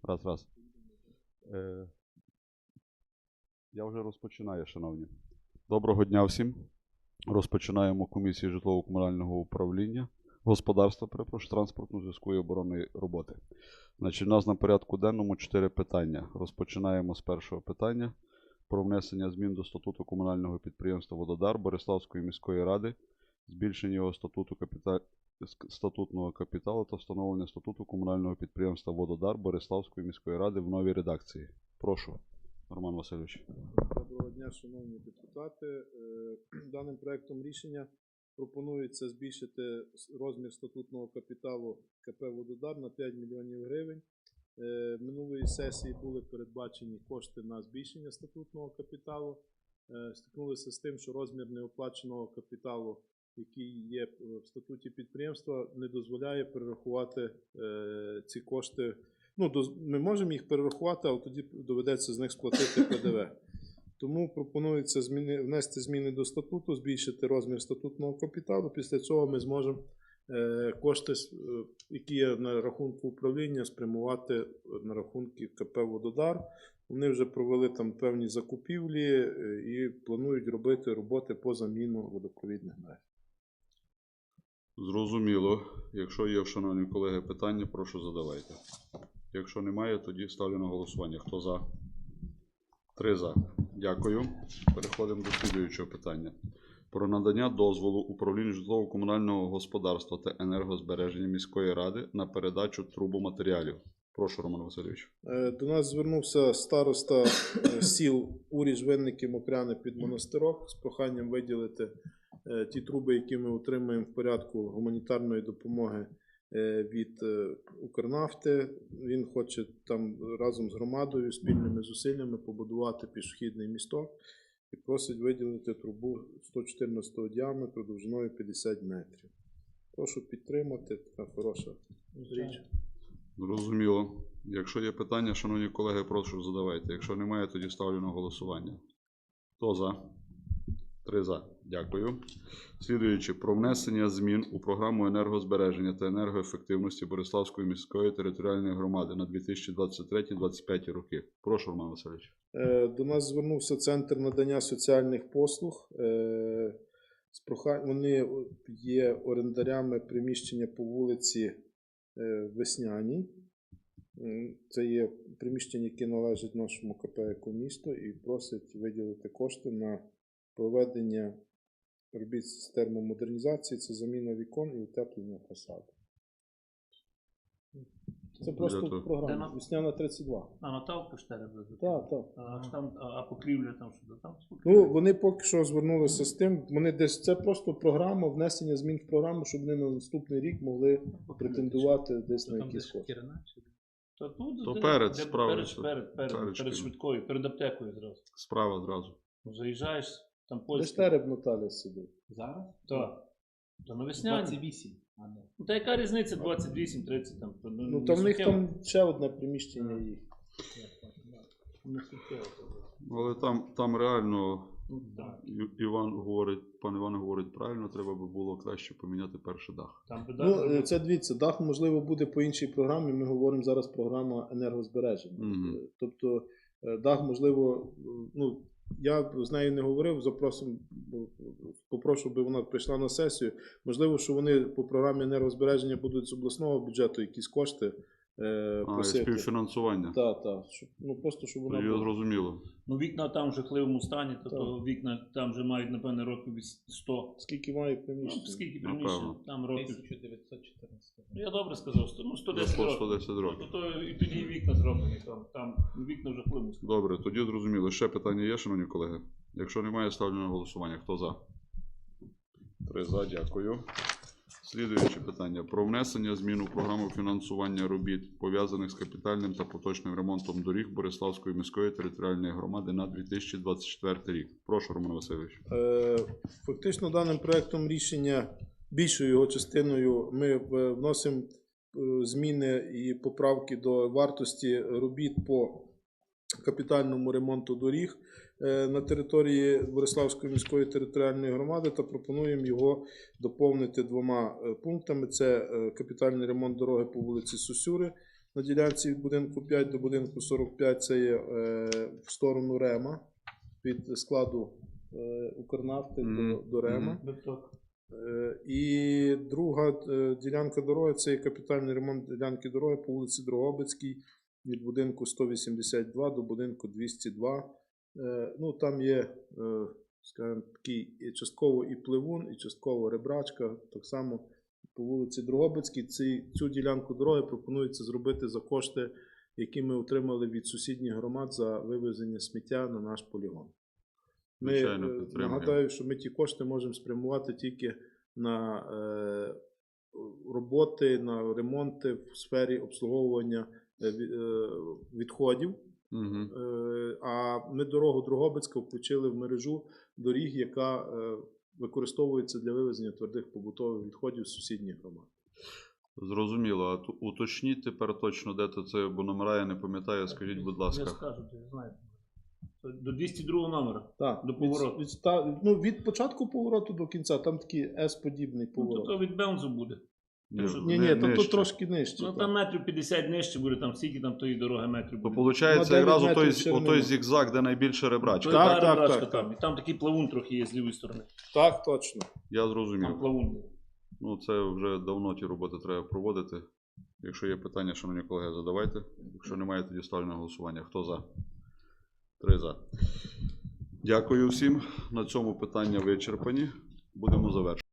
Раз. Я вже розпочинаю, шановні. Доброго дня всім. Розпочинаємо комісію житлово-комунального управління, господарства, транспорту, зв'язку і оборонної роботи. Значить, у нас на порядку денному 4 питання. Розпочинаємо з першого питання про внесення змін до статуту комунального підприємства «Вододар» Бориславської міської ради, збільшення його статутного капіталу та встановлення статуту комунального підприємства «Вододар» Бориславської міської ради в новій редакції. Прошу, Роман Васильович. Доброго дня, шановні депутати. Даним проектом рішення пропонується збільшити розмір статутного капіталу КП «Вододар» на 5 мільйонів гривень. Минулої сесії були передбачені кошти на збільшення статутного капіталу. Стикнулися з тим, що розмір неоплаченого капіталу, який є в статуті підприємства, не дозволяє перерахувати ці кошти. Ми можемо їх перерахувати, але тоді доведеться з них сплатити ПДВ. Тому пропонується внести зміни до статуту, збільшити розмір статутного капіталу. Після цього ми зможемо кошти, які є на рахунку управління, спрямувати на рахунки КП «Вододар». Вони вже провели там певні закупівлі і планують робити роботи по заміну водопровідних мереж. Зрозуміло. Якщо є, шановні колеги, питання, прошу задавайте. Якщо немає, тоді ставлю на голосування. Хто за? 3 за. Дякую. Переходимо до слідуючого питання. Про надання дозволу управлінню житлово-комунального господарства та енергозбереження міської ради на передачу трубоматеріалів. Прошу, Роман Васильович. До нас звернувся староста сіл Уріж, Винники, Мокряни під Монастирок з проханням виділити ті труби, які ми отримуємо в порядку гуманітарної допомоги від Укрнафти. Він хоче там разом з громадою спільними зусиллями побудувати пішохідний місток і просить виділити трубу 114 діаметру довжиною 50 метрів. Прошу підтримати, така хороша річ. Зрозуміло. Якщо є питання, шановні колеги, прошу задавайте. Якщо немає, тоді ставлю на голосування. Хто за? 3 за. Дякую. Слідуючи, про внесення змін у програму енергозбереження та енергоефективності Бориславської міської територіальної громади на 2023-2025 роки. Прошу, Роман Васильович. До нас звернувся Центр надання соціальних послуг. Вони є орендарями приміщення по вулиці Весняній. Це є приміщення, яке належить нашому КП «Екомісто», і просять виділити кошти на проведення робіт з термомодернізації, це заміна вікон і утеплення фасаду. Це просто програма. Весняна 32. Наталка 4 буде? Так. А покрівля там що? Там вони поки що звернулися з тим, це просто програма, внесення змін в програму, щоб вони на наступний рік могли претендувати десь на якісь кошти. То перед справою. Перед швидкою, перед аптекою зразу. Справа зразу. Заїжджаєш, там Де польський. Тереб Наталя сидить? Зараз? Так. Та на Весняні. 28. Та яка різниця 28-30 там? Та в них там ще одне приміщення їх. Але там реально, пан Іван говорить правильно, треба би було краще поміняти перший дах. Це дивіться, дах можливо буде по іншій програмі, ми говоримо зараз програма енергозбереження. Тобто дах можливо, я з нею не говорив, попрошу, би вона прийшла на сесію. Можливо, що вони по програмі енергозбереження будуть з обласного бюджету якісь кошти просити. Співфінансування. Так. Просто, щоб вона була. Зрозуміло. Вікна там в жахливому стані, то вікна там вже мають, напевне, років 100. Скільки має приміщення? Скільки приміщень? Там років. 1914. Я добре сказав, 110 років. 110 років. І тоді і вікна зроблені, там вікна в жахливому стані. Добре, тоді зрозуміло. Ще питання є, шановні колеги? Якщо немає, ставлю на голосування. Хто за? 3 за, дякую. Слідуюче питання. Про внесення змін у програму фінансування робіт, пов'язаних з капітальним та поточним ремонтом доріг Бориславської міської територіальної громади на 2024 рік. Прошу, Роман Васильович. Фактично, даним проектом рішення, більшою його частиною, ми вносимо зміни і поправки до вартості робіт по капітальному ремонту доріг на території Бориславської міської територіальної громади та пропонуємо його доповнити 2 пунктами. Це капітальний ремонт дороги по вулиці Сосюри на ділянці від будинку 5 до будинку 45 це є в сторону Рема, від складу Укрнафти до Рема. І друга ділянка дороги це є капітальний ремонт ділянки дороги по вулиці Дрогобицькій від будинку 182 до будинку 202. Ну, там є, скажімо, такий частково і пливун, і частково ребрачка. Так само по вулиці Дрогобицькій цю ділянку дороги пропонується зробити за кошти, які ми отримали від сусідніх громад за вивезення сміття на наш полігон. Ми нагадаю, що ми ті кошти можемо спрямувати тільки на роботи, на ремонти в сфері обслуговування відходів. А ми дорогу Дрогобицька включили в мережу доріг, яка використовується для вивезення твердих побутових відходів з сусідніх громад. Зрозуміло. А уточніть тепер точно, де то це, бо номера я не пам'ятаю, скажіть, будь Я ласка. скажу, я знаю. До 202 номера. Так, До повороту. Від початку повороту до кінця, там такий S-подібний Ну, поворот. то від Беунзу буде. Ні, то трошки нижче. Ну, так. там метрів 50 нижче буде, там стільки там тої дороги метрів То буде. виходить, На якраз 9 метрів отой шириною. зігзаг, де найбільше ребрачка. Так, Так, так, так, так. там. І там такий плавун трохи є з лівої сторони. Так, точно. Я зрозумів. Там плавун. Ну, це вже давно ті роботи треба проводити. Якщо є питання, шановні колеги, задавайте. Якщо немає, тоді ставлю на голосування. Хто за? 3 за. Дякую всім. На цьому питання вичерпані. Будемо завершувати.